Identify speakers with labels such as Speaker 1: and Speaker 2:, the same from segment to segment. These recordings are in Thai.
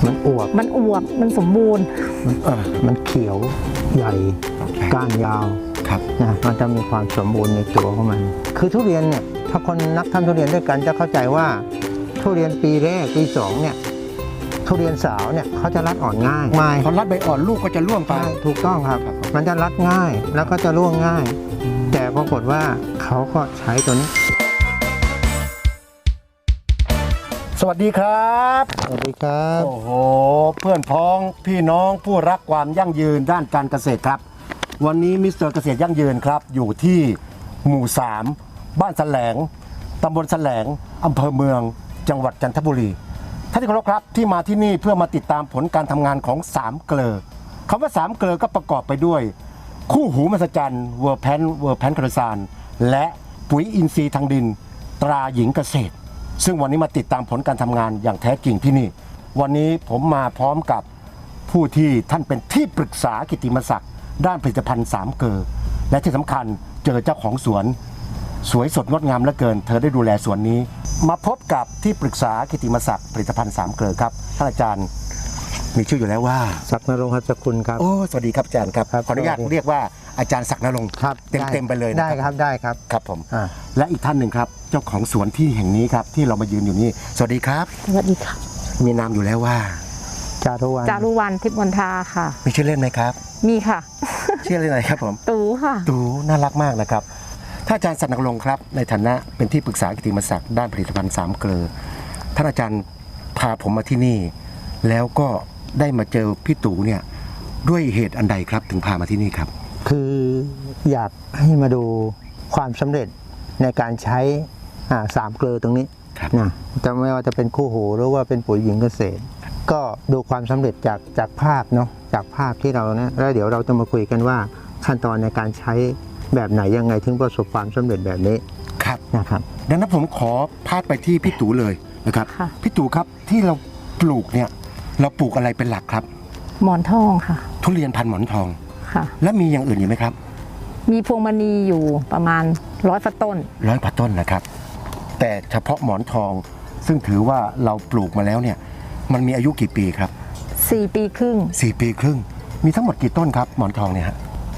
Speaker 1: มันอวบ
Speaker 2: มันสมบูรณ์
Speaker 1: มันเขียวใหญ่ก้านยาวนะมันจะมีความสมบูรณ์ในตัวของมันคือทุเรียนเนี่ยถ้าคนนักทำทุเรียนด้วยกันจะเข้าใจว่าทุเรียนปีแรกปี2เนี่ยทุเรียนสาวเนี่ยเขาจะรัดอ่อนง่าย
Speaker 3: พอรัดใบอ่อนลูกก็จะร่วงไป
Speaker 1: ถูกต้องครับมันจะรัดง่ายแล้วก็จะร่วงง่ายแต่ปรากฏว่าเขาก็ใช้ตัวนี้
Speaker 3: สวัสดีครับ
Speaker 1: สวัสดีครับ
Speaker 3: โอ้โหเพื่อนพ้องพี่น้องผู้รักความยั่งยืนด้านการเกษตรครับวันนี้มิสเตอร์เกษตรยั่งยืนครับอยู่ที่หมู่3บ้านแสลงตำบลแสลงอำเภอเมืองจังหวัดจันทบุรีท่านที่เคารพครับที่มาที่นี่เพื่อมาติดตามผลการทำงานของ3เกลอคำว่า3เกลอก็ประกอบไปด้วยคู่หูมหัศจรรย์เวอร์แพนกระซานและปุ๋ยอินทรีย์ทางดินตราหญิงเกษตรซึ่งวันนี้มาติดตามผลการทำงานอย่างแท้จริงที่นี่วันนี้ผมมาพร้อมกับผู้ที่ท่านเป็นที่ปรึกษากิตติมศักดิ์ด้านผลิตภัณฑ์3เกลอและที่สำคัญเจอเจ้าของสวนสวยสดงดงามเหลือเกินเธอได้ดูแลสวนนี้มาพบกับที่ปรึกษากิตติมศักดิ์ผลิตภัณฑ์3เกลอครับท่านอาจารย์มีชื่ออยู่แล้วว่า
Speaker 1: ศักดิ์นรงค์หัตถคุณครับ
Speaker 3: โอ้สวัสดีครับอาจารย์ครับขออนุญาตเรียกว่าอาจารย์ศักดิ์นรงค์เต็มไปเลย
Speaker 1: ได้ครับได้ครับ
Speaker 3: ครับผมและอีกท่านหนึ่งครับเจ้าของสวนที่แห่งนี้ครับที่เรามายืนอยู่นี่สวัสดีครับ
Speaker 2: สวัสดีค่ะ
Speaker 3: มีนามอยู่แล้วว่า
Speaker 1: จารุวรรณ
Speaker 2: ทิพย์มนทาค่ะ
Speaker 3: มีชื่อเล่นไหมครับ
Speaker 2: มีค่ะ
Speaker 3: ชื่อเล่นอะไรครับผม
Speaker 2: ตูค่ะ
Speaker 3: ตูน่ารักมากนะครับท่านอาจารย์ศักดิ์นรงค์ครับในฐานะเป็นที่ปรึกษากิตติมศักดิ์ด้านผลิตภัณฑ์3เกลอท่านอาจารย์พาผมมาที่นี่แล้วก็ได้มาเจอพี่ตู่เนี่ยด้วยเหตุอันใดครับถึงพามาที่นี่ครับ
Speaker 1: คืออยากให้มาดูความสำเร็จในการใช้3เกลอตรงนี้นะจะไม่ว่าจะเป็นคู่หูหรือว่าเป็นปุ๋ยหญิงเกษตรก็ดูความสำเร็จจากภาพเนาะจากภาพที่เราเนี่ยแล้วเดี๋ยวเราจะมาคุยกันว่าขั้นตอนในการใช้แบบไหนยังไงถึงประสบความสำเร็จแบบนี้
Speaker 3: ครับ
Speaker 1: นะครับ
Speaker 3: ดังนั้นผมขอพาดไปที่พี่ตู่เลยนะครับพี่ตู่ครับที่เราปลูกเนี่ยเราปลูกอะไรเป็นหลักครับ
Speaker 2: หมอนทองค่ะ
Speaker 3: ทุเรียนพันธุ์หมอนทอง
Speaker 2: ค่ะ
Speaker 3: และมีอย่างอื่นอยู่ไหมครับ
Speaker 2: มีพวงมณีอยู่ประมาณ100 ต้น
Speaker 3: ต้นนะครับแต่เฉพาะหมอนทองซึ่งถือว่าเราปลูกมาแล้วเนี่ยมันมีอายุกี่ปีครับ
Speaker 2: 4 ปีครึ่ง
Speaker 3: 4 ปีครึ่งมีทั้งหมดกี่ต้นครับหมอนทองเนี่ยฮะ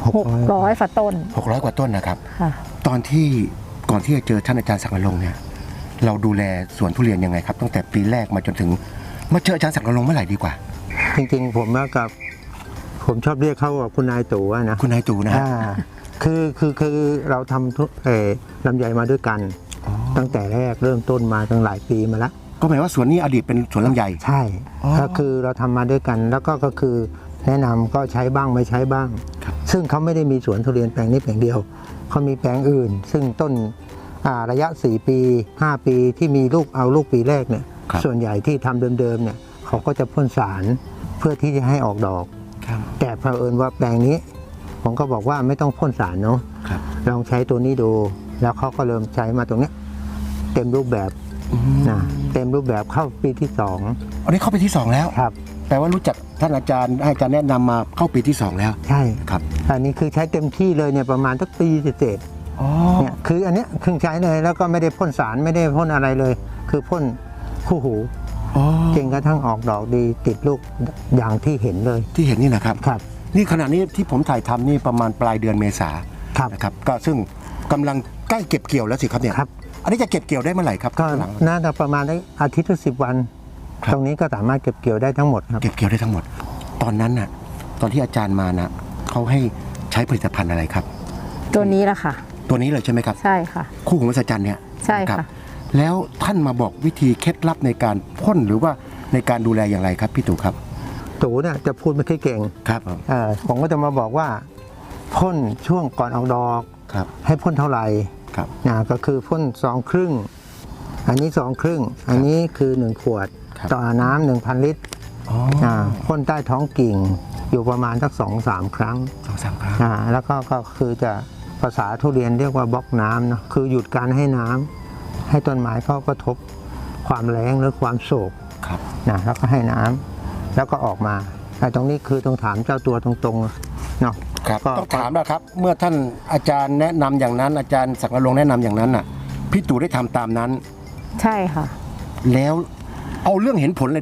Speaker 2: 600 กว่าต้น
Speaker 3: 600 กว่าต้นนะครับตอนที่ก่อนที่จะเจอท่านอาจารย์ศักดิ์นรงค์เนี่ยเราดูแลสวนทุเรียนยังไงครับตั้งแต่ปีแรกมาจนถึงมาเจออาจารย์ศักดิ์นรงค์เมื่อไหร่ดีกว่า
Speaker 1: จริงๆผมชอบเรียกเขาว่าคุณนายตู่นะ
Speaker 3: คุณนายตู่นะ
Speaker 1: คือเราทำลำไยมาด้วยกันตั้งแต่แรกเริ่มต้นมาตั้งหลายปีมาแล้ว
Speaker 3: ก็หมายว่าสวนนี้อดีตเป็นสวนลำไย
Speaker 1: ใช่ก็คือเราทำมาด้วยกันแล้วก็คือแนะนำก็ใช้บ้างไม่ใช้บ้างซึ่งเขาไม่ได้มีสวนทุเรียนแปลงนี้แปลงเดียวเขามีแปลงอื่นซึ่งต้นระยะ4 ปี5 ปีที่มีลูกเอาลูกปีแรกเนี่ยส่วนใหญ่ที่ทำเดิมๆเนี่ยเขาก็จะพ่นสารเพื่อที่จะให้ออกดอกแต่เผอิญว่าแปลงนี้ผมก็บอกว่าไม่ต้องพ่นสารเนาะลองใช้ตัวนี้ดูแล้วเขาก็เริ่มใช้มาตรงนี้เต็มรูปแบบนะเต็มรูปแบบเข้าปีที่2
Speaker 3: อันนี้เข้าปีที่2แล้ว
Speaker 1: ครับ
Speaker 3: แปลว่ารู้จักท่านอาจารย์ให้อาจารย์แนะนำมาเข้าปีที่2แล้ว
Speaker 1: ใช่
Speaker 3: ครับ
Speaker 1: อันนี้คือใช้เต็มที่เลยเนี่ยประมาณสักปีเศษเนี่ยคืออันเนี้ยเพิ่งใช้เลยแล้วก็ไม่ได้พ่นสารไม่ได้พ่นอะไรเลยคือพ่นคู่หูจนกระทั่งออกดอกดีติดลูกอย่างที่เห็นเลย
Speaker 3: ที่เห็นนี่นะครับ
Speaker 1: ครับ
Speaker 3: นี่ขณะนี้ที่ผมถ่ายทำนี่ประมาณปลายเดือนเมษานะครับก็ซึ่งกำลังใกล้เก็บเกี่ยวแล้วสิครับเนี่ยอันนี้จะเก็บเกี่ยวได้เมื่อไหร่ครับ
Speaker 1: ก็น่าจะประมาณอาทิตย์ละ10 วันตรงนี้ก็สามารถเก็บเกี่ยวได้ทั้งหมดครับ
Speaker 3: เก็บเกี่ยวได้ทั้งหมดตอนนั้นน่ะตอนที่อาจารย์มานะเขาให้ใช้ผลิตภัณฑ์อะไรครับ
Speaker 2: ตัวนี้แหละค่ะ
Speaker 3: ตัวนี้เลยใช่ไหมครับ
Speaker 2: ใช่ค่ะ
Speaker 3: คู่หูมหัศจรรย์เนี่ย
Speaker 2: ใช่ค่ะ
Speaker 3: แล้วท่านมาบอกวิธีเคล็ดลับในการพ่นหรือว่าในการดูแลอย่างไรครับพี่ตู่ครับ
Speaker 1: ตู่เนี่ยจะพูดไม่ค่อยเก่ง
Speaker 3: ครับ
Speaker 1: ผมก็จะมาบอกว่าพ่นช่วงก่อนออกดอกให้พ่นเท่าไหร่ก็คือพ่น2 ครึ่งอันนี้2 ครึ่งอันนี้คือ1 ขวดต่อน้ำ 1,000 ลิตรพ่นใต้ท้องกิ่งอยู่ประมาณสัก2-3 ครั้งแล้วก็คือจะภาษาทุเรียนเรียกว่าบล็อกน้ำเนาะคือหยุดการให้น้ำให้ต้นไม้เขากระทบความแล้งหรือความโศกนะแล้วก็ให้น้ำแล้วก็ออกมาแต่ตรงนี้คือต้องถามเจ้าตัวตรงๆเนาะ
Speaker 3: ครับต้องถามนะครับเมื่อท่านอาจารย์แนะนำอย่างนั้นอาจารย์ศักดิ์นรงค์แนะนำอย่างนั้นน่ะพี่ตู่ได้ทำตามนั้น
Speaker 2: ใช่ค่ะ
Speaker 3: แล้วเอาเรื่องเห็นผลเลยดีกว่า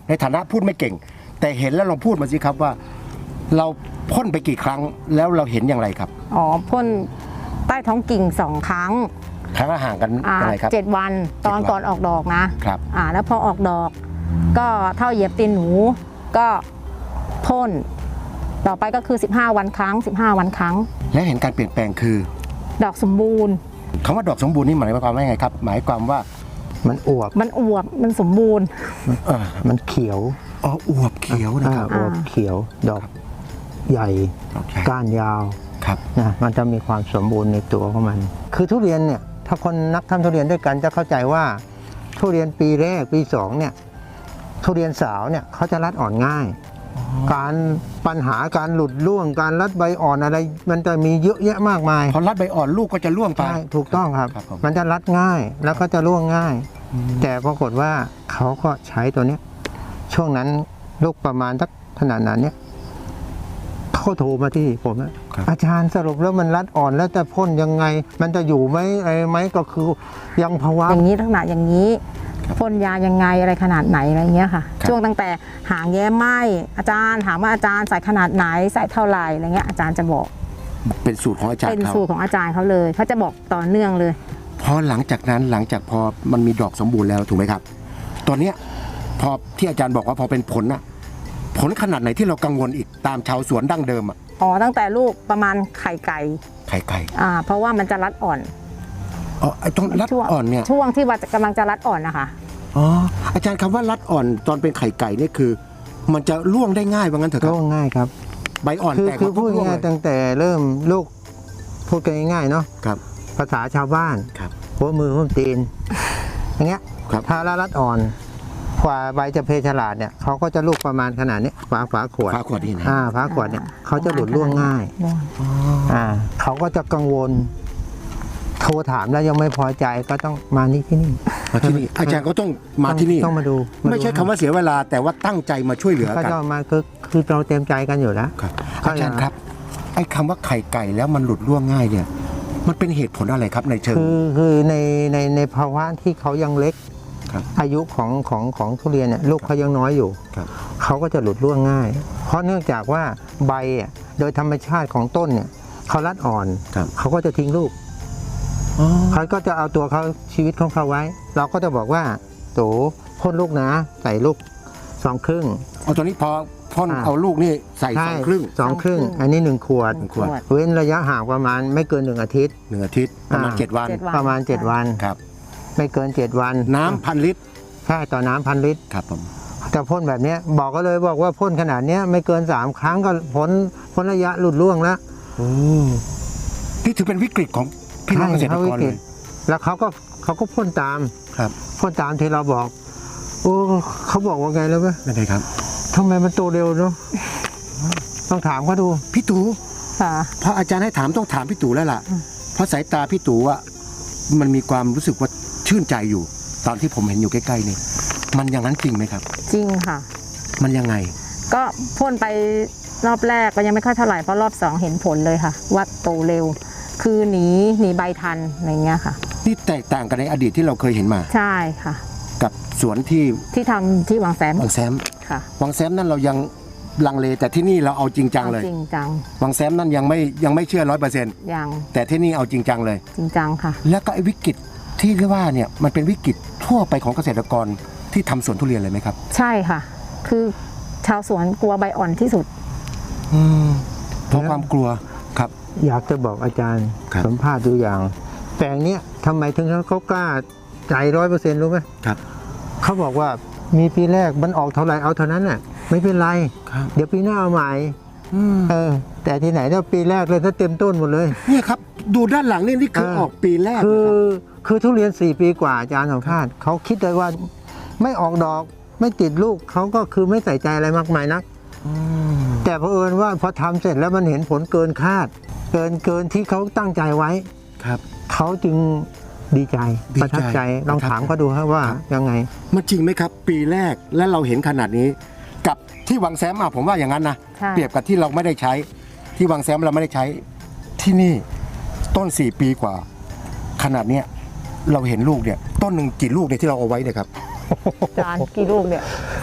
Speaker 3: ในฐานะพูดไม่เก่ง แต่เห็นแล้วลองพูดมาสิครับว่า เราพ่นไปกี่ครั้งแล้วเราเห็นอย่างไรครับ
Speaker 2: อ๋อพ่นใต้ท้องกิ่ง2 ครั้ง
Speaker 3: ครั้งละห่างกันยังไงครับ
Speaker 2: 7 วันตอน
Speaker 3: 7 วัน
Speaker 2: ก่อนออกดอกนะครับ แล้วพอออกดอก ก็เท่าเหยียบตีนหนูก็พ่นต่อไปก็คือ15 วันครั้ง15 วันครั้ง
Speaker 3: และเห็นการเปลี่ยนแปลงคือ
Speaker 2: ดอกสมบูรณ์
Speaker 3: คำว่าดอกสมบูรณ์นี่หมายความว่าไงครับ หมายความว่า
Speaker 1: มันอวบ
Speaker 2: มันอวบมันสมบูรณ์
Speaker 1: มันเขียว
Speaker 3: อ๋ออวบเขียวนะครับ
Speaker 1: อวบเขียว ดอกใหญ่
Speaker 3: ดอกใหญ่
Speaker 1: ก้านยาว
Speaker 3: ครับ
Speaker 1: นะมันจะมีความสมบูรณ์ในตัวของมัน คือทุเรียนเนี่ยถ้าคนนักทำทุเรียนด้วยกันจะเข้าใจว่า ทุเรียนปีแรกปี2เนี่ยทุเรียนสาวเนี่ยเขาจะรัดอ่อนง่าย การปัญหาการหลุดร่วงการรัดใบอ่อนอะไร มันจะมีเยอะแยะมากมาย
Speaker 3: พอรัดใบอ่อนลูกก็จะร่วงไป
Speaker 1: ใช่ถูกต้องครับ
Speaker 3: ครับผม
Speaker 1: มันจะรัดง่ายแล้วก็จะร่วงง่าย แต่ปรากฏว่าเขาก็ใช้ตัวเนี้ยช่วงนั้นลูกประมาณสักขนาดนั้นเนี่ยเขาโทรมาที่ผมนะอาจารย์สรุปแล้วมันรัดอ่อนแล้วจะพ่นยังไง มันจะอยู่ไหมอะไรไหมก็คือยังภาวะ
Speaker 2: อย่างนี้ลักษณะอย่างนี้พ่นยายังไงอะไรขนาดไหนอะไรเงี้ยค่ะ
Speaker 3: ครับ
Speaker 2: ช่วงตั้งแต่หางแย้มไหมอาจารย์ถามว่าอาจารย์ใส่ขนาดไหนใส่เท่าไหร่อะไรเงี้ยอาจารย์จะบอก
Speaker 3: เป็นสูตรของอาจาร
Speaker 2: เป็น
Speaker 3: ย์เขา
Speaker 2: สูตรของอาจารย์เขาเลยเขาจะบอกต่อเนื่องเลย
Speaker 3: พอหลังจากนั้นหลังจากพอมันมีดอกสมบูรณ์แล้วถูกไหมครับ ตอนเนี้ยพอที่อาจารย์บอกว่าพอเป็นผลน่ะผลขนาดไหนที่เรากังวลอีกตามชาวสวนดั้งเดิมอ่ะ
Speaker 2: อ๋อตั้งแต่ลูกประมาณไข่ไก่
Speaker 3: ไข่ไก่
Speaker 2: เพราะว่ามันจะรัดอ่อน
Speaker 3: อ๋อไอ้ตรงรัด
Speaker 2: ช่วง
Speaker 3: อ่อนเนี่ย
Speaker 2: ช่วงที่ว่ากำลังจะรัดอ่อนนะคะ
Speaker 3: อ๋ออาจารย์คำว่ารัดอ่อนตอนเป็นไข่ไก่นี่คือ มันจะร่วงได้ง่ายว่างั้นเถอะครับ
Speaker 1: ร่วงง่ายครับ
Speaker 3: ใบอ่อน
Speaker 1: คือ
Speaker 3: แตก
Speaker 1: คือพูด
Speaker 3: ร่วง
Speaker 1: ง่าย
Speaker 3: เลย
Speaker 1: ๆตั้งแต่เริ่มลูกพูดกันง่ายๆเนาะ
Speaker 3: ครับ
Speaker 1: ภาษาชาวบ้าน
Speaker 3: ครับ
Speaker 1: หัวมือหัวตีนอย่างเงี้ย
Speaker 3: ครับ
Speaker 1: ถ้ารัดอ่อนกว่าใบจะเพฉลาดเนี่ยเขาก็จะลูกประมาณขนาดนี้ฝาขวด
Speaker 3: ฝาขวดนี่นะ
Speaker 1: ฝาขวดเนี่ยเขาจะหลุดร่วงง่าย เขาก็จะกังวล โทรถามแล้วยังไม่พอใจก็ต้องมานี่ที่นี่
Speaker 3: มาที่นี่อาจารย์ก็ต้องมาที่นี่
Speaker 1: ต้องมาดู
Speaker 3: ไม่ใช่คำว่าเสียเวลาแต่ว่าตั้งใจมาช่วยเหลือ
Speaker 1: ก็
Speaker 3: กัน
Speaker 1: จะมาคือเราเต็มใจกันอยู่แล้ว
Speaker 3: ครับอาจารย์ครับไอ้คำว่าไข่ไก่แล้วมันหลุดร่วงง่ายเนี่ย มันเป็นเหตุผลอะไรครับในเชิง
Speaker 1: คือในภาวะที่เขายังเล็ก
Speaker 3: ครับ
Speaker 1: อายุของทุเรียนเนี่ยลูกเขายังน้อยอยู่
Speaker 3: ครับ
Speaker 1: เขาก็จะหลุดร่วงง่าย เพราะเนื่องจากว่าใบอ่ะโดยธรรมชาติของต้นเนี่ยเขารัดอ่อน
Speaker 3: ครับ
Speaker 1: เขาก็จะทิ้งลูก เขาก็จะเอาตัวเขาชีวิตของเขาไว้ เราก็จะบอกว่าโตพ่นลูกนะ ใส่ลูก2 ครึ่ง
Speaker 3: เอาตอนนี้พอพ่นเอาลูกนี่ใส่สองครึ่ง
Speaker 1: 2 ครึ่ง อันนี้1 ขวด
Speaker 3: 1 ขวด
Speaker 1: เว้นระยะห่างประมาณไม่เกิน1 อาทิตย์
Speaker 3: 1 อาทิตย์ประมาณ 7 วัน
Speaker 2: 7
Speaker 1: ประมาณ 7 วัน
Speaker 3: ครับ
Speaker 1: ไม่เกิน 7 วัน
Speaker 3: น้ำ1,000 ลิตร
Speaker 1: ใช่ต่อน้ำ1,000 ลิตร
Speaker 3: ครับผม
Speaker 1: แต่พ่นแบบเนี้ยบอกก็เลยบอกว่าพ่นขนาดเนี้ยไม่เกิน3 ครั้งก็พ้นระยะหลุดร่วงแล้ว
Speaker 3: นี่ถือเป็นวิกฤตของพี่น้องเกษตรกรเลย
Speaker 1: แล้วเขาก็พ่นตาม
Speaker 3: ครับ
Speaker 1: พ่นตามที่เราบอก โอ้เขาบอกว่าไงแล้วไหม
Speaker 3: นั่นเองครับ
Speaker 1: ทำไมมันโตเร็วเนาะต้องถามเขาดู
Speaker 3: พี่ตู่
Speaker 2: ค่ะ
Speaker 3: พออาจารย์ให้ถามต้องถามพี่ตู่แล้วล่ะ เพราะสายตาพี่ตู่อะมันมีความรู้สึกว่าชื่นใจอยู่ ตอนที่ผมเห็นอยู่ใกล้ๆนี่มันอย่างนั้นจริงไหมครับ
Speaker 2: จริงค่ะ
Speaker 3: มันยังไง
Speaker 2: ก็พ่นไปรอบแรกก็ยังไม่ค่อยเท่าไหร่เพราะรอบ2เห็นผลเลยค่ะว่าโตเร็ว คือหนีใบทันอะไรเงี้ยค่ะ
Speaker 3: นี่แตกต่างกันในอดีตที่เราเคยเห็นมา
Speaker 2: ใช่ค่ะ
Speaker 3: กับสวนที่
Speaker 2: ที่ทำที่วังแสม
Speaker 3: วังแซม
Speaker 2: ค่ะ
Speaker 3: วังแซมนั่นเรายังลังเลแต่ที่นี่เราเอาจริงจังเลย
Speaker 2: จริงจัง
Speaker 3: วังแซมนั่นยังไม่เชื่อ100%
Speaker 2: อย่าง
Speaker 3: แต่ที่นี่เอาจริงจังเลย
Speaker 2: จริงจังค่ะ
Speaker 3: แล้วก็ไอ้วิกฤตที่เรียกว่าเนี่ยมันเป็นวิกฤตทั่วไปของเกษตรกรที่ทำสวนทุเรียนเลยไหมครับ
Speaker 2: ใช่ค่ะ คือชาวสวนกลัวใบอ่อนที่สุด
Speaker 3: เพราะความกลัวครับ
Speaker 1: อยากจะบอกอาจารย์
Speaker 3: ครับ
Speaker 1: สัมภาษณ์ดูอย่าง แปลงเนี้ยทำไมถึงเขากล้าใจ100%รู้ไหม
Speaker 3: ครับ
Speaker 1: เขาบอกว่ามีปีแรกมันออกเท่าไหร่เอาเท่านั้นน่ะไม่เป็นไร
Speaker 3: ครับ
Speaker 1: เดี๋ยวปีหน้าเอาใหม่แต่ที่ไหนเนี่ยปีแรกเลยถ้าเต็มต้นหมดเลย
Speaker 3: เนี่ยครับดูด้านหลังนี่คือออกปีแรก
Speaker 1: คื
Speaker 3: นะ
Speaker 1: อ
Speaker 3: ครับ
Speaker 1: คือทุเรียน4 ปีกว่าอาจารย์สัมภาษณ์เขาคิดเลยว่าไม่ออกดอกไม่ติดลูกเขาก็คือไม่ใส่ใจอะไรมากมายนักแต่เผอิญว่าพอทำเสร็จแล้วมันเห็นผลเกินคาด เกินที่เขาตั้งใจไว้
Speaker 3: ครับ
Speaker 1: เขาจึงดีใจ
Speaker 3: ดีใจ
Speaker 1: ประทับใจลองถามเขาดูครับว่า
Speaker 3: ครับ
Speaker 1: ยังไง
Speaker 3: มันจริงไหมครับ ปีแรกและเราเห็นขนาดนี้ กับที่วังแซมผมว่าอย่างนั้นนะ
Speaker 2: ใช่
Speaker 3: เปรียบกับที่เราไม่ได้ใช้ที่วังแซมเราไม่ได้ใช้ที่นี่ต้น4 ปีกว่า ขนาดเนี้ยเราเห็นลูกเนี่ยต้นหนึ่งกี่ลูกเนี่ยที่เราเอาไว้เนี่ยครับ
Speaker 2: จานกี่ลูกเนี่ย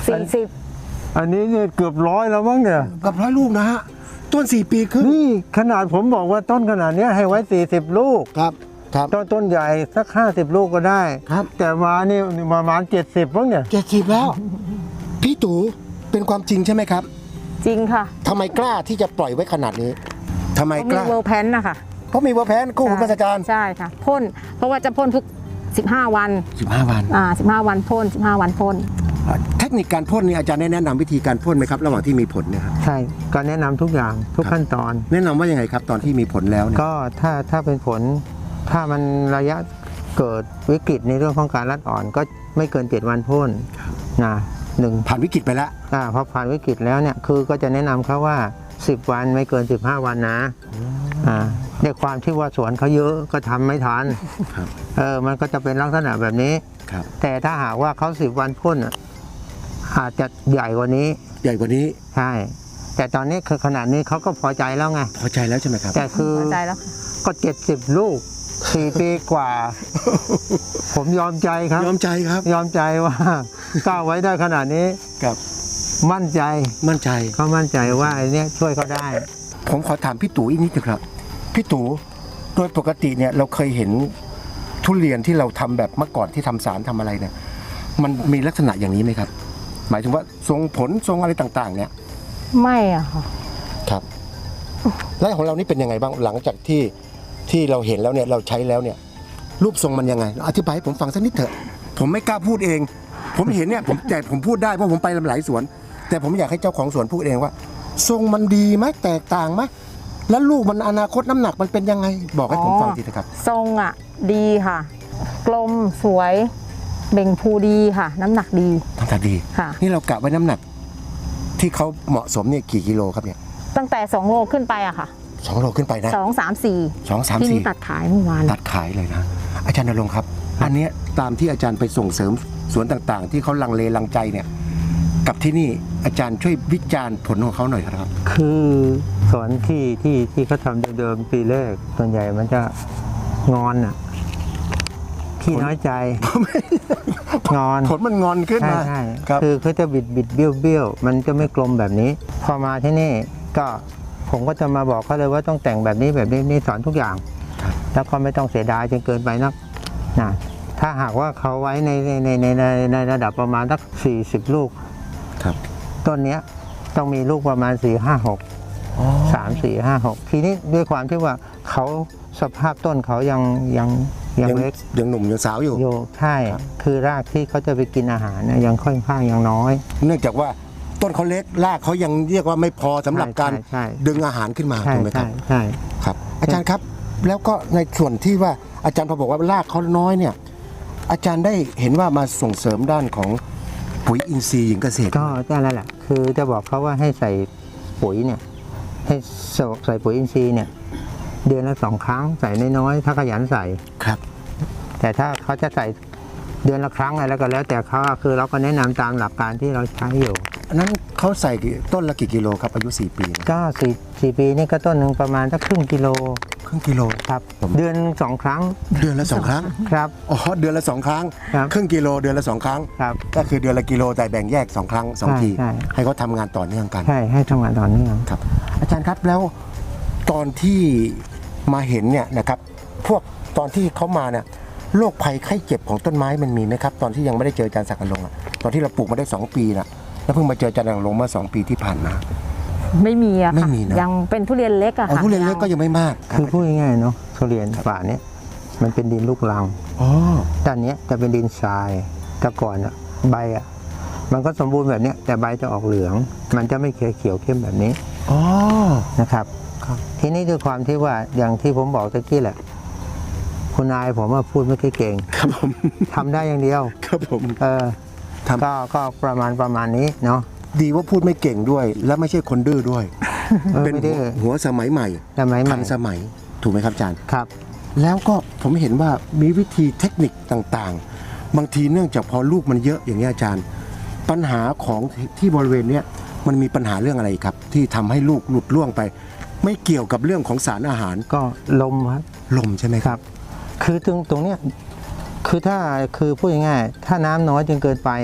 Speaker 2: 40
Speaker 1: อันนี้เนี่ยเกือบ100แล้วมั้งเนี่ย
Speaker 3: กับ100 ลูกนะฮะต้น4 ปีครึ่ง
Speaker 1: นี่ขนาดผมบอกว่าต้นขนาดเนี้ยให้ไว้40 ลูก
Speaker 3: ครับครับ
Speaker 1: ต้นใหญ่สัก50 ลูกก็ได้
Speaker 3: ครับ
Speaker 1: แต่มานี่ประมาณ70มั้งเนี่ย
Speaker 3: 70แล้ว พี่ตู่เป็นความจริงใช่ไหมครับ
Speaker 2: จริงค่ะ
Speaker 3: ทำไมกล้าที่จะปล่อยไว้ขนาดนี้ทำไม
Speaker 2: เขา
Speaker 3: ก
Speaker 2: มี
Speaker 3: ล้า
Speaker 2: เวอร์แพนนะคะ
Speaker 3: เพราะมีเวอร์แพนกู้หูราชการ
Speaker 2: ใช่ค่ะพ่นเพราะว่าจะพ่นทุก15 วัน
Speaker 3: 15 วัน
Speaker 2: 15 วันพ่น15 วันพ่น
Speaker 3: เทคนิคการพ่นนี่อาจารย์ได้แนะนำวิธีการพ่นไหมครับระหว่างที่มีผลเนี่ยครับ
Speaker 1: ใช่ก็แนะนำทุกอย่างทุกขั้นตอน
Speaker 3: แนะนำว่ายังไงครับตอนที่มีผลแล้วเนี่ย
Speaker 1: ก็ถ้าเป็นผลถ้ามันระยะเกิดวิกฤตในเรื่องของการรัดอ่อนก็ไม่เกิน7 วันพ่นนะ1
Speaker 3: ผ่านวิกฤตไปแล้ว
Speaker 1: พอผ่านวิกฤตแล้วเนี่ยคือก็จะแนะนำเขาว่า10 วันไม่เกิน15 วันนะด้วยความที่ว่าสวนเขาเยอะก็ทำไม่ทัน
Speaker 3: ครับ
Speaker 1: มันก็จะเป็นลักษณะแบบนี้
Speaker 3: ครับ
Speaker 1: แต่ถ้าหากว่าเขา10 วันพ่นอาจจะใหญ่กว่านี้
Speaker 3: ใหญ่กว่านี้
Speaker 1: ใช่แต่ตอนนี้คือขนาดนี้เขาก็พอใจแล้วไง
Speaker 3: พอใจแล้วใช่ไหมครับ
Speaker 1: แต่คือ
Speaker 2: พอใจแล้วค่ะ
Speaker 1: ก็70 ลูก4 ปีกว่า ผมยอมใจครับ
Speaker 3: ยอมใจครับ
Speaker 1: ยอมใจว่าก้าวไว้ได้ขนาดนี้
Speaker 3: ครับ
Speaker 1: มั่นใจ
Speaker 3: มั่นใจ
Speaker 1: เขามั่นใจว่าไอ้เนี้ยช่วยเขาได้
Speaker 3: ผมขอถามพี่ตู่อีกนิดนึงครับพี่ตู่โดยปกติเนี่ยเราเคยเห็นทุเรียนที่เราทำแบบเมื่อก่อนที่ทำสารทำอะไรเนี่ยมันมีลักษณะอย่างนี้ไหมครับ หมายถึงว่าทรงผลทรงอะไรต่างๆ เนี่ย
Speaker 2: ไม่อะค่ะ
Speaker 3: ครับ แล้วของเรานี่เป็นยังไงบ้างหลังจากที่เราเห็นแล้วเนี่ยเราใช้แล้วเนี่ย รูปทรงมันยังไงอธิบายให้ผมฟังสักนิดเถอะ ผมไม่กล้าพูดเอง ผมเห็นเนี่ยผมพูดได้เพราะผมไปหลายสวน แต่ผมอยากให้เจ้าของสวนพูดเองว่า ทรงมันดีไหมแตกต่างไหมแล้วลูกมันอนาคตน้ำหนักมันเป็นยังไง บอกให้ผมฟังทีนะครับ
Speaker 2: ทรงอ่ะดีค่ะ กลมสวยเบ่งพูดีค่ะ น้ำหนักดี
Speaker 3: น้ำหนักดี
Speaker 2: ค่ะ
Speaker 3: นี่เรากะไว้น้ำหนัก ที่เขาเหมาะสมเนี่ยกี่กิโลครับเนี่ย
Speaker 2: ตั้งแต่2 โลขึ้นไปอะค่ะ
Speaker 3: 2 โลขึ้นไปนะ
Speaker 2: 2 3 4
Speaker 3: 2 3
Speaker 2: ที่นี่
Speaker 3: 4
Speaker 2: ตัดขายเมื่อวาน
Speaker 3: ตัดขายเลยนะ อาจารย์ณรงค์ครับ อันเนี้ยตามที่อาจารย์ไปส่งเสริมสวนต่างๆ ที่เขาลังเลลังใจเนี่ยกับที่นี่อาจารย์ช่วยวิจารณ์ผลของเขาหน่อยครับ
Speaker 1: คือสวนที่เขาทำเดิมๆปีแรกส่วนใหญ่มันจะงอนขี้น้อยใจ งอน
Speaker 3: ผลมันงอนขึ้น
Speaker 1: ใช่
Speaker 3: มา
Speaker 1: ใช่
Speaker 3: ครับ
Speaker 1: คือเขาจะบิดเบี้ยวมันจะไม่กลมแบบนี้ พอมาที่นี่ก็ผมก็จะมาบอกเขาเลยว่าต้องแต่งแบบนี้นี่สอนทุกอย่าง แล้วก็ไม่ต้องเสียดายจนเกินไปนักนะถ้าหากว่าเขาไว้ในระดับประมาณสัก40 ลูก
Speaker 3: ครับ
Speaker 1: ต้นเนี้ยต้องมีลูกประมาณ4 5 6 3 4 5 6ทีนี้ด้วยความที่ว่าเขาสภาพต้นเขายังเล็ก
Speaker 3: ยังหนุ่มยังสาวอยู่
Speaker 1: อยู่ใช่คือรากที่เขาจะไปกินอาหารเนี่ยยังค่อนข้างยังน้อย
Speaker 3: เนื่องจากว่าต้นเขาเล็กรากเขายังเรียกว่าไม่พอสำหรับการ
Speaker 1: ใช่
Speaker 3: ดึงอาหารขึ้นมา
Speaker 1: ใช่
Speaker 3: ถูกไหมค
Speaker 1: ใช่
Speaker 3: รับ
Speaker 1: ใช่
Speaker 3: ครับ อาจารย์ครับ แล้วก็ในส่วนที่ว่าอาจารย์พอบอกว่ารากเขาน้อยเนี่ย อาจารย์ได้เห็นว่ามาส่งเสริมด้านของปุ๋ยอินทรีย์หญิงเกษตร
Speaker 1: ก็นั่นแหละคือจะบอกเขาว่าให้ใส่ปุ๋ยเนี่ยให้ใส่ปุ๋ยอินทรีย์เนี่ยเดือนละ2 ครั้งใส่น้อยๆถ้าขยันใส่
Speaker 3: ครับ
Speaker 1: แต่ถ้าเขาจะใส่เดือนละครั้งอะไรแล้วก็แล้วแต่เขาคือเราก็แนะนำตามหลักการที่เราใช้อยู่
Speaker 3: อันนั้นเขาใส่ต้นละกี่กิโลครับอายุ4 ปีนะ
Speaker 1: ก็4 ปีนี่ก็ต้นหนึ่งประมาณสักครึ่งกิโล
Speaker 3: ครึ่งกิโล
Speaker 1: ครับ
Speaker 3: ผม
Speaker 1: เดือน2 ครั้ง
Speaker 3: เดือนละ2 ครั้ง
Speaker 1: ครับ
Speaker 3: อ๋อเดือนละ2 ครั้ง
Speaker 1: ครับ
Speaker 3: ครึ่งกิโลเดือนละ2 ครั้ง
Speaker 1: ครับ
Speaker 3: ก็คือเดือนละกิโลแต่แบ่งแยก2 ครั้ง2 ที
Speaker 1: ใช่
Speaker 3: ให้เขาทำงานต่อเนื่องกัน
Speaker 1: ใช่ให้ทำงานต่อเนื่อง
Speaker 3: ครับ อาจารย์ครับแล้วตอนที่มาเห็นเนี่ยนะครับพวกตอนที่เขามาเนี่ยโรคภัยไข้เจ็บของต้นไม้มันมีไหมครับ ตอนที่ยังไม่ได้เจออาจารย์ศักดิ์อลงค์อะตอนที่เราปลูกมาได้2 ปีนะแล้วเพิ่งมาเจออาจารย์ศักดิ์อลงค์เมื่อ2 ปีที่ผ่านมา
Speaker 2: ไม่มีอะ
Speaker 3: ไม่
Speaker 2: ค่ะ
Speaker 3: มีนะ
Speaker 2: ยังเป็นทุเรียนเล็กอะ
Speaker 3: อ๋อ
Speaker 2: ค่ะ
Speaker 3: ทุเรียนเล็กก็ยังไม่มาก
Speaker 1: คือพูดง่ายๆเนาะทุเรียนป่าเนี้ยมันเป็นดินลูกรัง
Speaker 3: อ๋อ
Speaker 1: ด้านเนี้ยจะเป็นดินทรายแต่ก่อนอะใบอะมันก็สมบูรณ์แบบเนี้ยแต่ใบจะออกเหลือง มันจะไม่เขียวเข้มแบบนี้
Speaker 3: อ๋อ
Speaker 1: นะครับ
Speaker 3: ครับ
Speaker 1: ทีนี้ด้วยความที่ว่าอย่างที่ผมบอกตะกี้แหละคุณนายผมว่าพูดไม่ค่อยเก่ง
Speaker 3: ครับผม
Speaker 1: ทำได้อย่างเดียว
Speaker 3: ครับผม ทำ
Speaker 1: ก็ประมาณนี้เนาะ
Speaker 3: ดีว่าพูดไม่เก่งด้วย และไม่ใช่คนดื้อด้วย เป็น
Speaker 1: ไม่ได้
Speaker 3: หัวสมัยใหม่
Speaker 1: สมัยให
Speaker 3: ทั
Speaker 1: ม่
Speaker 3: นสมัยถูกไหมครับอาจารย์
Speaker 1: ครับ
Speaker 3: แล้วก็ผมเห็นว่ามีวิธีเทคนิคต่างๆ บางทีเนื่องจากพอลูกมันเยอะอย่างนี้ยอาจารย์ ปัญหาของที่บริเวณเนี้ยมันมีปัญหาเรื่องอะไรครับ ที่ทำให้ลูกหลุดล่วงไป ไม่เกี่ยวกับเรื่องของสารอาหาร
Speaker 1: ก็ลมครับ
Speaker 3: ลมใช่ไหมครับ
Speaker 1: คือตรงเนี้ยคือถ้าคือพูดง่ายๆถ้าน้ำน้อยจนเกินไป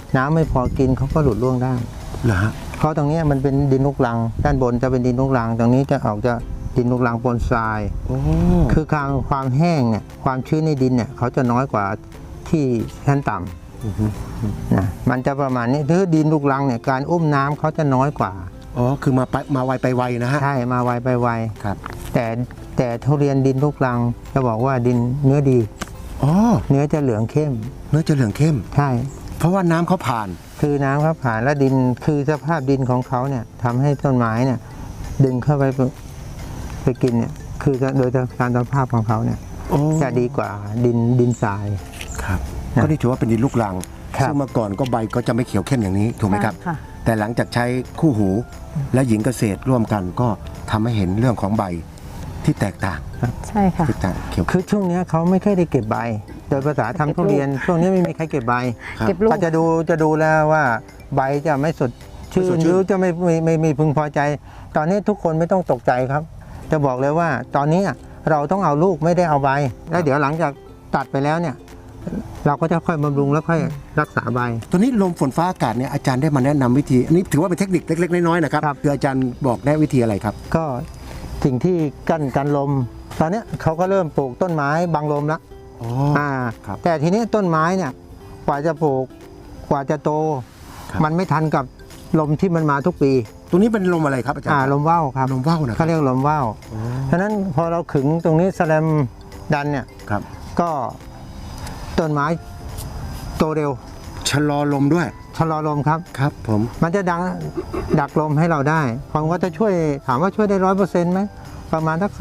Speaker 1: น้ำไม่พอกินเขาก็หลุดร่วงได้
Speaker 3: เหรอฮะ
Speaker 1: เพราะตรงนี้มันเป็นดินลูกรัง ด้านบนจะเป็นดินลูกรัง ตรงนี้จะออกจะดินลูกรังปนทราย
Speaker 3: โอ้
Speaker 1: คือความแห้งเนี่ยความชื้นในดินเนี่ยเขาจะน้อยกว่าที่ชั้นต่ำนะมันจะประมาณนี้ถ้าดินลูกรังเนี่ยการอุ้มน้ำเขาจะน้อยกว่า
Speaker 3: อ๋อคือมาไวไปไวนะฮะ
Speaker 1: ใช่มาไวไปไว
Speaker 3: ครับ
Speaker 1: แต่ทุเรียนดินลูกรังจะบอกว่าดินเนื้อดี
Speaker 3: อ๋อ
Speaker 1: เนื้อจะเหลืองเข้ม
Speaker 3: เนื้อจะเหลืองเข้ม
Speaker 1: ใช่
Speaker 3: เพราะว่าน้ำเขาผ่าน
Speaker 1: คือน้ำเขาผ่านแล้วดินคือสภาพดินของเขาเนี่ยทำให้ต้นไม้เนี่ยดึงเข้าไปกินเนี่ยคือโดยการสภาพของเขาเนี่ย
Speaker 3: โอ้
Speaker 1: จะดีกว่าดินทราย
Speaker 3: ครับ
Speaker 1: นะ
Speaker 3: ก็นี่ถือว่าเป็นดินลูกรัง
Speaker 1: ครับ
Speaker 3: ซึ่งเมื่อก่อนก็ใบก็จะไม่เขียวเข้มอย่างนี้ถูกไหมครับ
Speaker 2: ใช่ค่ะ
Speaker 3: แต่หลังจากใช้คู่หูและหญิงเกษตรร่วมกันก็ทำให้เห็นเรื่องของใบที่แตกต่าง
Speaker 2: ใช่ค่ะ
Speaker 3: ที่ต่างเขียว
Speaker 1: คือช่วงเนี้ยเขาไม่ค่อยได้เก็บใบ โดยภาษาทำทุเรียนช่วงนี้ไม่มีใครเก็บใบ
Speaker 3: ครับ
Speaker 2: เก็บลูก
Speaker 1: ก็จะดูแล้วว่าใบจะไม่สดชื่
Speaker 3: ไม่ส
Speaker 1: น
Speaker 3: ดชื่น
Speaker 1: หรือจะไม่พึงพอใจ ตอนนี้ทุกคนไม่ต้องตกใจครับ จะบอกเลยว่าตอนนี้เราต้องเอาลูกไม่ได้เอาใบ แล้วเดี๋ยวหลังจากตัดไปแล้วเนี่ย เราก็จะค่อยบำรุงแล้วค่อยรักษาใบ
Speaker 3: ตัวนี้ลมฝนฟ้าอากาศเนี่ยอาจารย์ได้มาแนะนำวิธีอันนี้ถือว่าเป็นเทคนิคเล็กๆน้อยๆนะครับ
Speaker 1: ครับ
Speaker 3: คืออาจารย์บอกแนะวิธีอะไรครับ
Speaker 1: ก็สิ่งที่กั้นกันลม ตอนนี้เขาก็เริ่มปลูกต้นไม้บังลมแล้ว
Speaker 3: อ๋อ ครับ
Speaker 1: แต่ทีนี้ต้นไม้เนี่ยกว่าจะปลูกกว่าจะโต
Speaker 3: ครับ
Speaker 1: มันไม่ทันกับลมที่มันมาทุกปี
Speaker 3: ตรงนี้เป็นลมอะไรครับอาจารย์
Speaker 1: ลมว่าวครับ
Speaker 3: ลมว่าวนะค
Speaker 1: เขา
Speaker 3: รับ
Speaker 1: เรียกลมว่าว
Speaker 3: อ๋อ
Speaker 1: ฉะนั้นพอเราขึงตรงนี้แสแลมดันเนี่ย
Speaker 3: ครับ
Speaker 1: ก็ต้นไม้โตเร็ว
Speaker 3: ชะลอลมด้วย
Speaker 1: ชะลอลมครับ
Speaker 3: ครับผม
Speaker 1: มันจะดักลมให้เราได้ผมว่าจะช่วยถามว่าช่วยได้100%ไหมประมาณสัก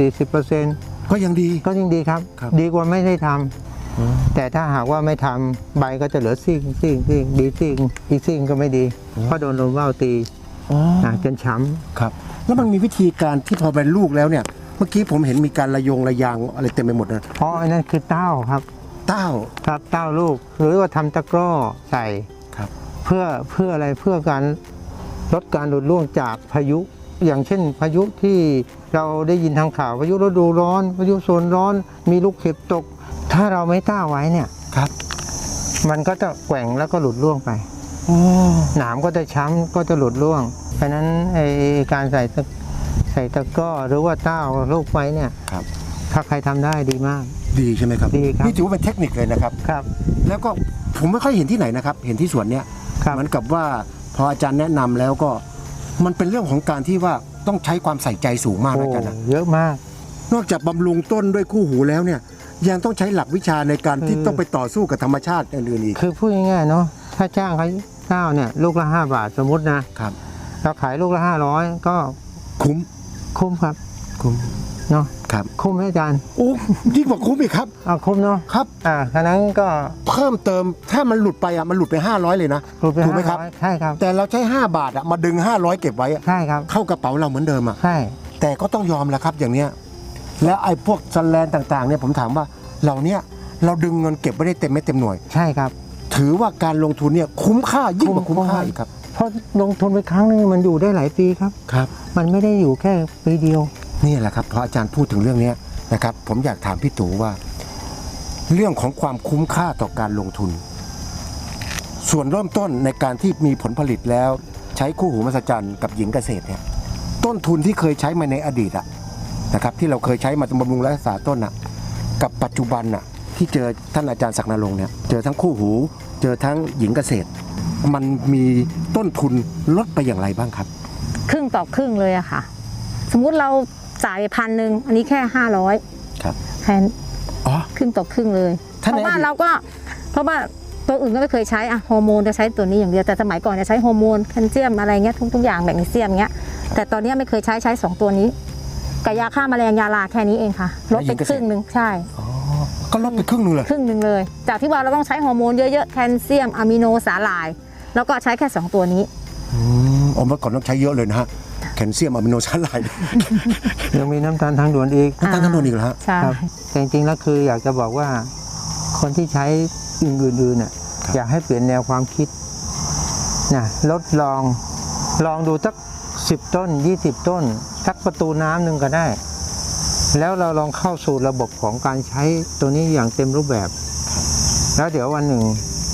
Speaker 1: 30-40%
Speaker 3: ก็ยังดี
Speaker 1: ก็ยิ่งดีครับ
Speaker 3: ครับ
Speaker 1: ดีกว่าไม่ได้ทำแต่ถ้าหากว่าไม่ทำใบก็จะเหลือซีกดีซีกอีกซีกก็ไม่ดีเพราะโดนลมว่าวตี
Speaker 3: อ๋อ
Speaker 1: จนช้ำ
Speaker 3: ครับ แล้วมันมีวิธีการที่พอเป็นลูกแล้วเนี่ย เมื่อกี้ผมเห็นมีการระยางอะไรเต็มไปหมดนะ
Speaker 1: เพราะอันนั้นคือเต้าครับ
Speaker 3: เต้า
Speaker 1: ครับเต้าลูกหรือว่าทำตะกร้อใส่
Speaker 3: ครับ
Speaker 1: เพื่ออะไรเพื่อการลดการหลุดร่วงจากพายุ อย่างเช่นพายุที่เราได้ยินทางข่าวพายุฤดูร้อนพายุโซนร้อน มีลูกเห็บตก ถ้าเราไม่ต้าไว้เนี่ย
Speaker 3: ครับ
Speaker 1: มันก็จะแกว่งแล้วก็หลุดร่วงไป
Speaker 3: โอ้
Speaker 1: หนามก็จะช้ำก็จะหลุดร่วง เพราะฉะนั้นการใส่ตะกร้อหรือว่าเต้าลูกไว้เนี่ย
Speaker 3: ครับ
Speaker 1: ถ้าใครทำได้ดีมาก
Speaker 3: ดีใช่ไหมครับ
Speaker 1: ดีครับ
Speaker 3: นี่ถือว่าเป็นเทคนิคเลยนะครับ
Speaker 1: ครับ
Speaker 3: แล้วก็ผมไม่ค่อยเห็นที่ไหนนะครับ เห็นที่สวนเนี้ย
Speaker 1: ครับ
Speaker 3: เหมือนกับว่าพออาจารย์แนะนำแล้วก็มันเป็นเรื่องของการที่ว่าต้องใช้ความใส่ใจสูงมากนะอาจารย์นะ
Speaker 1: เยอะมาก
Speaker 3: นอกจากบำรุงต้นด้วยคู่หูแล้วเนี่ย ยังต้องใช้หลักวิชาในการที่
Speaker 1: คือ
Speaker 3: ต้องไปต่อสู้กับธรรมชาติอื่นๆอีก
Speaker 1: คือพูดง่ายๆเนาะถ้าจ้างเขาเต้าเนี่ยลูกละ5 บาทสมมตินะครับ เราขายลูกละ500ก็
Speaker 3: คุ้ม
Speaker 1: คุ้มครับ
Speaker 3: คุ้ม
Speaker 1: เนาะ
Speaker 3: ครับ
Speaker 1: คุ้มไหมอาจารย์
Speaker 3: โอ้ยิ่งกว่าคุ้มอีกครับ
Speaker 1: คุ้มเนาะ
Speaker 3: ครับ
Speaker 1: ฉะนั้นก็
Speaker 3: เพิ่มเติมถ้ามันหลุดไปมันหลุดไป500เลยนะ
Speaker 1: รูปไป
Speaker 3: ถูกไหมครับ
Speaker 1: 500ใช่ครับ
Speaker 3: แต่เราใช้5 บาทมาดึง500เก็บไว้
Speaker 1: ใช่ครับ
Speaker 3: เข้ากระเป๋าเราเหมือนเดิม
Speaker 1: ใช่
Speaker 3: แต่ก็ต้องยอมแหละครับอย่างเนี้ยแล้วไอ้พวกสแลนต่างๆเนี่ยผมถามว่าเราเนี่ยเราดึงเงินเก็บไม่ได้เต็มเม็ดเต็มหน่วย
Speaker 1: ใช่ครับ
Speaker 3: ถือว่าการลงทุนเนี่ยคุ้มค่ายิ่งกว่าคุ้มค่าอีกครับ
Speaker 1: เพราะลงทุนไปครั้งนึงมันอยู่ได้หลายปีครับ
Speaker 3: ครับ
Speaker 1: มันไม่ได้อยู่แค่ปีเดียว
Speaker 3: นี่แหละครับพออาจารย์พูดถึงเรื่องนี้นะครับผมอยากถามพี่ตู่ว่า เรื่องของความคุ้มค่าต่อการลงทุน ส่วนเริ่มต้นในการที่มีผลผลิตแล้ว ใช้คู่หูมหัศจรรย์กับหญิงเกษตรเนี่ยต้นทุนที่เคยใช้มาในอดีตนะครับที่เราเคยใช้มาบำรุงรักษาต้นกับปัจจุบันที่เจอท่านอาจารย์ศักดิ์นรงค์เนี่ยเจอทั้งคู่หูเจอทั้งหญิงเกษตร มันมีต้นทุนลดไปอย่างไรบ้างครับ
Speaker 2: ครึ่งต่อครึ่งเลยอะค่ะ สมมุติเราจ่าย1,000อันนี้แค่500
Speaker 3: ครับ
Speaker 2: แทน
Speaker 3: อ๋อ
Speaker 2: ครึ่งต่อครึ่งเลย
Speaker 3: ถ้า
Speaker 2: เพ
Speaker 3: ใน
Speaker 2: ราะว่า
Speaker 3: อดีต
Speaker 2: เราก็เพราะว่าตัวอื่นก็ไม่เคยใช้อะฮอร์โมนจะใช้ตัวนี้อย่างเดียวแต่สมัยก่อนจะใช้ฮอร์โมนแคลเซียมอะไรเงี้ยทุกอย่างแมกนีเซียมเงี้ยแต่ตอนนี้ไม่เคยใช้2ตัวนี้กับยาฆ่าแมลงยาลาแค่นี้เองค่ะลดไปครึ่งหนึ่งใช่
Speaker 3: อ๋อก็ลดไปครึ่งหนึงเลย
Speaker 2: ครึ่งหนึ่งเลย จากที่ว่าเราต้องใช้ฮอร์โมนเยอะๆแคลเซียมอะมิโนสาหร่าย แล้วก็ใช้แค่2ตัวนี้
Speaker 3: เมื่อก่อนต้องใช้เยอะเลยนะฮะแคลเซียมอะมิโนสาหร่าย
Speaker 1: ยังมีน้ำตาลทางด่วนอีก
Speaker 3: น้ำตาลทางด่วนอีกเหรอฮะ
Speaker 2: ใช่
Speaker 1: ครับแต่จริงๆแล้วคืออยากจะบอกว่าคนที่ใช้อื่นๆน่ะ
Speaker 3: ครับ
Speaker 1: อยากให้เปลี่ยนแนวความคิดนะลองดูสัก10 ต้น 20 ต้นสักประตูน้ำหนึ่งก็ได้ แล้วเราลองเข้าสู่ระบบของการใช้ตัวนี้อย่างเต็มรูปแบบ แล้วเดี๋ยววันหนึ่ง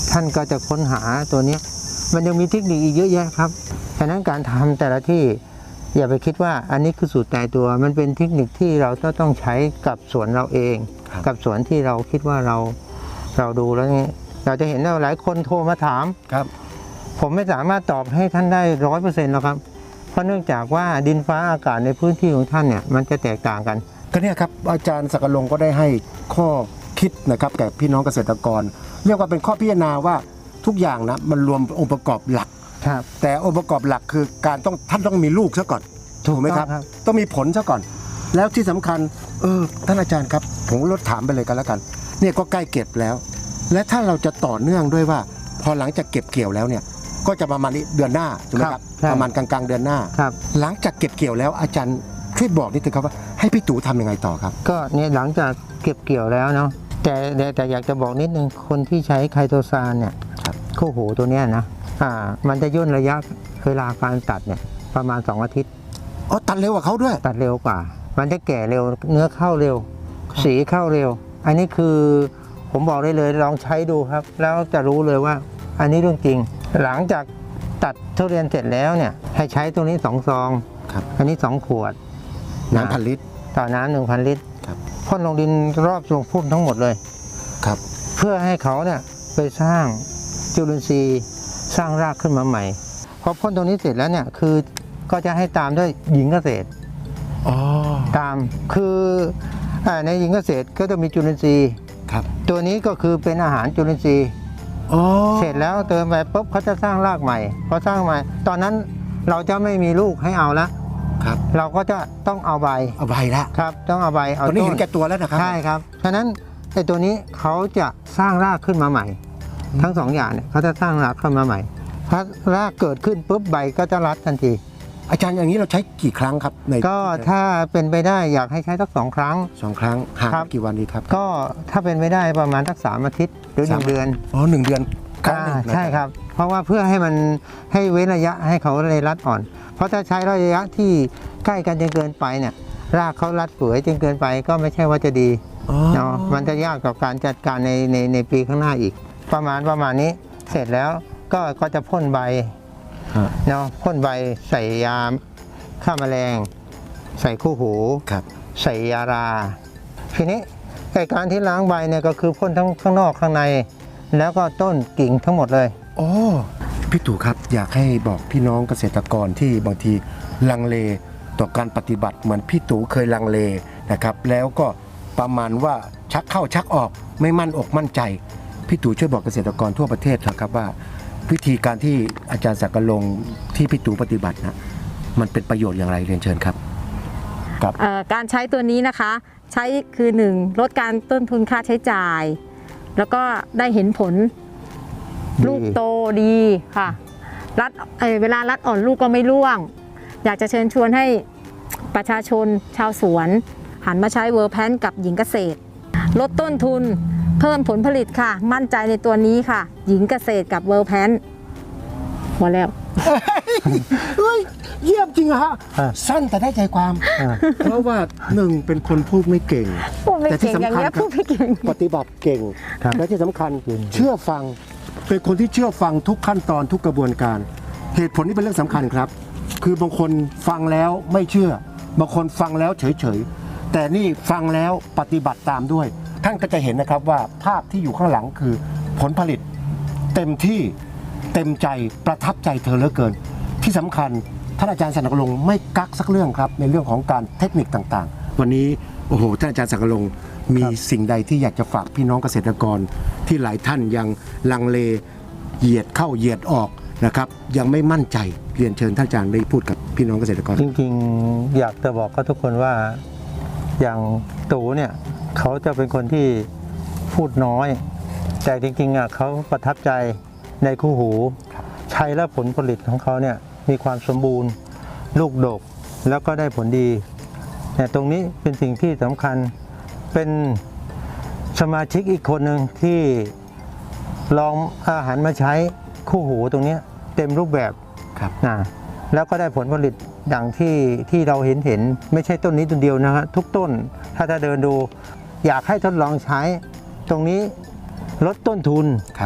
Speaker 1: ท่านก็จะค้นหาตัวเนี้ยมันยังมีเทคนิคอีกเยอะแยะครับฉะนั้นการทำแต่ละที่อย่าไปคิดว่าอันนี้คือสูตรตายตัวมันเป็นเทคนิคที่เราต้องใช้กับสวนเราเอง กับสวนที่เราคิดว่าเราดูแล้วนี่เราจะเห็นว่าหลายคนโทรมาถาม
Speaker 3: ครับ
Speaker 1: ผมไม่สามารถตอบให้ท่านได้100%หรอกครับเพราะเนื่องจากว่าดินฟ้าอากาศในพื้นที่ของท่านเนี่ยมันจะแตกต่างกัน
Speaker 3: ก็เนี่ยครับอาจารย์ศักดิ์ลงก็ได้ให้ข้อคิดนะครับแก่พี่น้องเกษตรกร เรียกว่าเป็นข้อพิจารณาว่าทุกอย่างนะมันรวมองค์ประกอบหลัก
Speaker 1: ครับ
Speaker 3: แต่องค์ประกอบหลักคือการท่านต้องมีลูกซะก่อนถูกไหมครับ ต้องมีผลซะก่อน แล้วที่สำคัญท่านอาจารย์ครับผมลดถามไปเลยกันแล้วกันเนี่ยก็ใกล้เก็บแล้ว และถ้าเราจะต่อเนื่องด้วยว่า พอหลังจากเก็บเกี่ยวแล้วเนี่ยก็จะประมาณนี้เดือนหน้าถูกไหมครับประมาณกลางๆเดือนหน้า
Speaker 1: ครับ
Speaker 3: หลังจากเก็บเกี่ยวแล้วอาจารย์ช่วยบอกนิดนึงครับว่าให้พี่ตู่ทำยังไงต่อครับ
Speaker 1: ก็เนี่ยหลังจากเก็บเกี่ยวแล้วเนาะแต่อยากจะบอกนิดนึงคนที่ใช้ไคโตซานเนี่ย
Speaker 3: ครับ
Speaker 1: คู่หูตัวเนี้ยนะมันจะย่นระยะเวลาการตัดเนี่ยประมาณ2 อาทิตย์
Speaker 3: อ๋อตัดเร็วกว่าเขาด้วย
Speaker 1: ตัดเร็วกว่า มันจะแก่เร็วเนื้อเข้าเร็ว สีเข้าเร็ว อันนี้คือผมบอกได้เลยลองใช้ดูครับ แล้วจะรู้เลยว่าอันนี้เรื่องจริง หลังจากตัดทุเรียนเสร็จแล้วเนี่ยให้ใช้ตัวนี้2 ซอง
Speaker 3: ครับ
Speaker 1: อันนี้2 ขวด
Speaker 3: น้ำพันลิตร
Speaker 1: ต่อน้ำ1,000 ลิตร
Speaker 3: ครับ
Speaker 1: พ่นลงดินรอบทรงพุ่มทั้งหมดเลย
Speaker 3: ครับ
Speaker 1: เพื่อให้เขาเนี่ยไปสร้างจุลินทรีย์สร้างรากขึ้นมาใหม่พอพ่นตรงนี้เสร็จแล้วเนี่ยคือก็จะให้ตามด้วยหญิงเกษตร
Speaker 3: อ๋อ
Speaker 1: ตามคือในหญิงเกษตรก็จะมีจุลินทรีย์
Speaker 3: ครับ
Speaker 1: ตัวนี้ก็คือเป็นอาหารจุลินทรีย์
Speaker 3: อ๋อ
Speaker 1: เสร็จแล้วเติมไปปุ๊บเขาจะสร้างรากใหม่พอสร้างใหม่ตอนนั้นเราจะไม่มีลูกให้เอาละ
Speaker 3: ครับ
Speaker 1: เราก็จะต้องเอาใบ
Speaker 3: เอาใบละ
Speaker 1: ครับต้องเอาใบเอา
Speaker 3: ตอนนี้
Speaker 1: ต้
Speaker 3: เห็
Speaker 1: น
Speaker 3: นแก่ตัวแล้วนะครับ
Speaker 1: ใช่ครับฉะนั้นไอ้ตัวนี้เขาจะสร้างรากขึ้นมาใหม่ ทั้ง2 อย่างเนี่ยเขาจะสร้างรากขึ้นมาใหม่พอรากเกิดขึ้นปุ๊บใบก็จะรัดทันที
Speaker 3: อาจารย์อย่างนี้เราใช้กี่ครั้งครับใน
Speaker 1: ก็ถ้าเป็นไปได้อยากให้ใช้สัก2 ครั้ง
Speaker 3: 2 ครั้งห่าง
Speaker 1: ครับ
Speaker 3: กี่วันดีครับ
Speaker 1: ก็ถ้าเป็นไปได้ประมาณสัก3 อาทิตย์หรือ 1 เดือน
Speaker 3: อ๋อ1 เดือนครั้งหนึ่งนะ
Speaker 1: ใช่ครับ เพราะว่าเพื่อให้มันให้เว้นระยะให้เขาเลยรัดอ่อน เพราะถ้าใช้ระยะที่ใกล้กันจนเกินไปเนี่ยรากเขารัดเปื่อยจนเกินไปก็ไม่ใช่ว่าจะดี
Speaker 3: อ๋อ
Speaker 1: เนาะมันจะยากกับการจัดการในปีข้างหน้าอีก ประมาณนี้เสร็จแล้วก็จะพ่นใบ
Speaker 3: ฮะ
Speaker 1: เนาะพ่นใบใส่ยาฆ่าแมลง ใส่คู่หู
Speaker 3: ครับ
Speaker 1: ใส่ยาราทีนี้ไอ้การที่ล้างใบเนี่ยก็คือพ่นทั้งข้างนอกข้างใน แล้วก็ต้นกิ่งทั้งหมดเลย
Speaker 3: โอ้พี่ตู่ครับอยากให้บอกพี่น้องเกษตรกรที่บางทีลังเลต่อการปฏิบัติเหมือนพี่ตู่เคยลังเลนะครับแล้วก็ประมาณว่าชักเข้าชักออกไม่มั่นอกมั่นใจพี่ตู่ช่วยบอกเกษตรกรทั่วประเทศนะครับว่า วิธีการที่อาจารย์ศักดิ์ลงที่พี่ตู่ปฏิบัตินะมันเป็นประโยชน์อย่างไรเรียนเชิญครับครับ
Speaker 2: การใช้ตัวนี้นะคะใช้คือ 1 ลดการต้นทุนค่าใช้จ่าย แล้วก็ได้เห็นผล
Speaker 1: ดี
Speaker 2: ลูกโตดีค่ะเวลารัดอ่อนลูกก็ไม่ร่วง อยากจะเชิญชวนให้ประชาชนชาวสวนหันมาใช้เวอร์แพนกับหญิงเกษตร ลดต้นทุนเพิ่มผลผลิตค่ะ มั่นใจในตัวนี้ค่ะ หญิงเกษตรกับเวอร์แพนหมดแล้ว
Speaker 3: เฮ้ยเยี่ยมจริงอะฮะ
Speaker 1: อ่ะ
Speaker 3: สั้นแต่ได้ใจความ
Speaker 1: อ่า
Speaker 3: เพราะว่าหนึ่งเป็นคนพูดไม่เก่ง
Speaker 2: พูดไม่
Speaker 3: แต่ที่
Speaker 2: เก่งอย่าง
Speaker 3: สำคัญ
Speaker 2: เงี้ย
Speaker 3: ครั
Speaker 2: พู
Speaker 3: บ
Speaker 2: ดไม่เก่ง
Speaker 3: ปฏิบัติเก่ง
Speaker 1: ครับ
Speaker 3: และที่สำคัญ
Speaker 1: จริง
Speaker 3: เชื่อฟังเป็นคนที่เชื่อฟังทุกขั้นตอนทุกกระบวนการ เหตุผลนี้เป็นเรื่องสำคัญครับ คือบางคนฟังแล้วไม่เชื่อบางคนฟังแล้วเฉยๆแต่นี่ฟังแล้วปฏิบัติตามด้วย ท่านก็จะเห็นนะครับว่าภาพที่อยู่ข้างหลังคือผลผลิตเต็มที่เต็มใจประทับใจเธอเหลือเกิน ที่สำคัญท่านอาจารย์ศักดิ์ลงไม่กักสักเรื่องครับในเรื่องของการเทคนิคต่างๆ วันนี้โอ้โหท่านอาจารย์ศักดิ์ลงมีสิ่งใดที่อยากจะฝากพี่น้องเกษตรกรที่หลายท่านยังลังเลเหยียดเข้าเหยียดออกนะครับยังไม่มั่นใจเรียนเชิญท่านอาจารย์ได้พูดกับพี่น้องเกษตรกร
Speaker 1: จริงๆอยากจะบอกกับทุกคนว่าอย่างตู่เนี่ยเขาจะเป็นคนที่พูดน้อย แต่จริงๆเขาประทับใจในคู่หูใช้แล้วผลผลิตของเขาเนี่ยมีความสมบูรณ์ลูกดกแล้วก็ได้ผลดีเนี่ยตรงนี้เป็นสิ่งที่สำคัญเป็นสมาชิกอีกคนหนึ่งที่ลองอาหารมาใช้คู่หูตรงนี้เต็มรูปแบบ
Speaker 3: ครับ
Speaker 1: นะแล้วก็ได้ผลผลิตอย่างที่เราเห็นไม่ใช่ต้นนี้ต้นเดียวนะฮะทุกต้นถ้าเดินดูอยากให้ทดลองใช้ตรงนี้ลดต้นทุน
Speaker 3: ครับ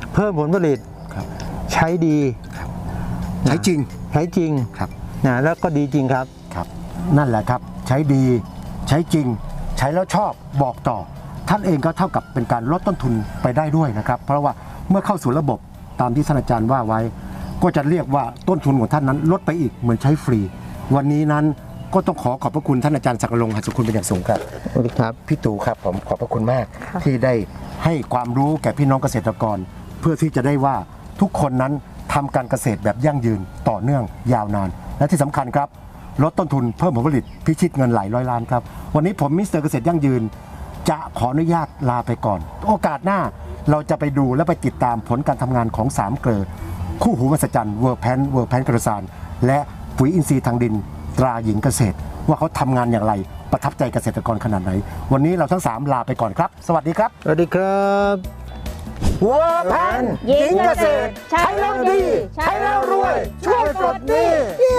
Speaker 1: เพิ่มผลผลิต
Speaker 3: ครับ
Speaker 1: ใช้ดี
Speaker 3: ใช้จริง
Speaker 1: ใช้จริง
Speaker 3: ครับ
Speaker 1: นะแล้วก็ดีจริงครับ
Speaker 3: ครับนั่นแหละครับใช้ดีใช้จริง ใช้แล้วชอบบอกต่อ ท่านเองก็เท่ากับเป็นการลดต้นทุนไปได้ด้วยนะครับ เพราะว่าเมื่อเข้าสู่ระบบตามที่ท่านอาจารย์ว่าไว้ ก็จะเรียกว่าต้นทุนของท่านนั้นลดไปอีกเหมือนใช้ฟรี วันนี้นั้นก็ต้องขอบพระคุณท่านอาจารย์ศักดิ์รงค์หัสสุคุณเป็นอย่างสูงครับ
Speaker 1: สวัสดีครับ
Speaker 3: พี่ตู่ครับผมขอบพระคุณมาก
Speaker 2: ค่ะ
Speaker 3: ที่ได้ให้ความรู้แก่พี่น้องเกษตรกร เพื่อที่จะได้ว่าทุกคนนั้นทำการเกษตรแบบยั่งยืนต่อเนื่องยาวนาน และที่สำคัญครับลดต้นทุนเพิ่มผลผลิตพิชิตเงินหลายร้อยล้านครับวันนี้ผมมิสเตอร์เกษตรยั่งยืน จะขออนุญาตลาไปก่อน โอกาสหน้าเราจะไปดูและไปติดตามผลการทำงานของ3เกลือคู่หูมหัศจรรย์เวิร์กแพนกระสานและปุ๋ยอินทรีย์ทางดินตราหญิงเกษตร ว่าเขาทำงานอย่างไรประทับใจเกษตรกรขนาดไหน วันนี้เราทั้ง3ลาไปก่อนครับ สวัสดีครับ
Speaker 1: สวัสดีครับวัวแพน
Speaker 2: หญิงเกษตรใช้แล้วดีใช้แล้วรวยช่วยปลดหนี้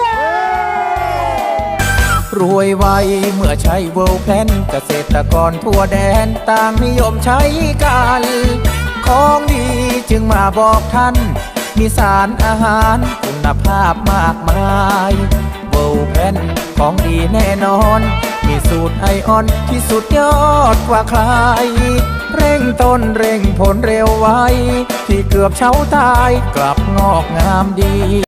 Speaker 4: รวยไวเมื่อใช้เวิลด์แพลนเกษตรกรทั่วแดนต่างนิยมใช้กัน ของดีจึงมาบอกท่าน มีสารอาหารคุณภาพมากมายเวิลด์แพลนของดีแน่นอน มีสูตรไอออนที่สุดยอดกว่าใคร เร่งต้นเร่งผลเร็วไวที่เกือบเช้าตายกลับงอกงามดี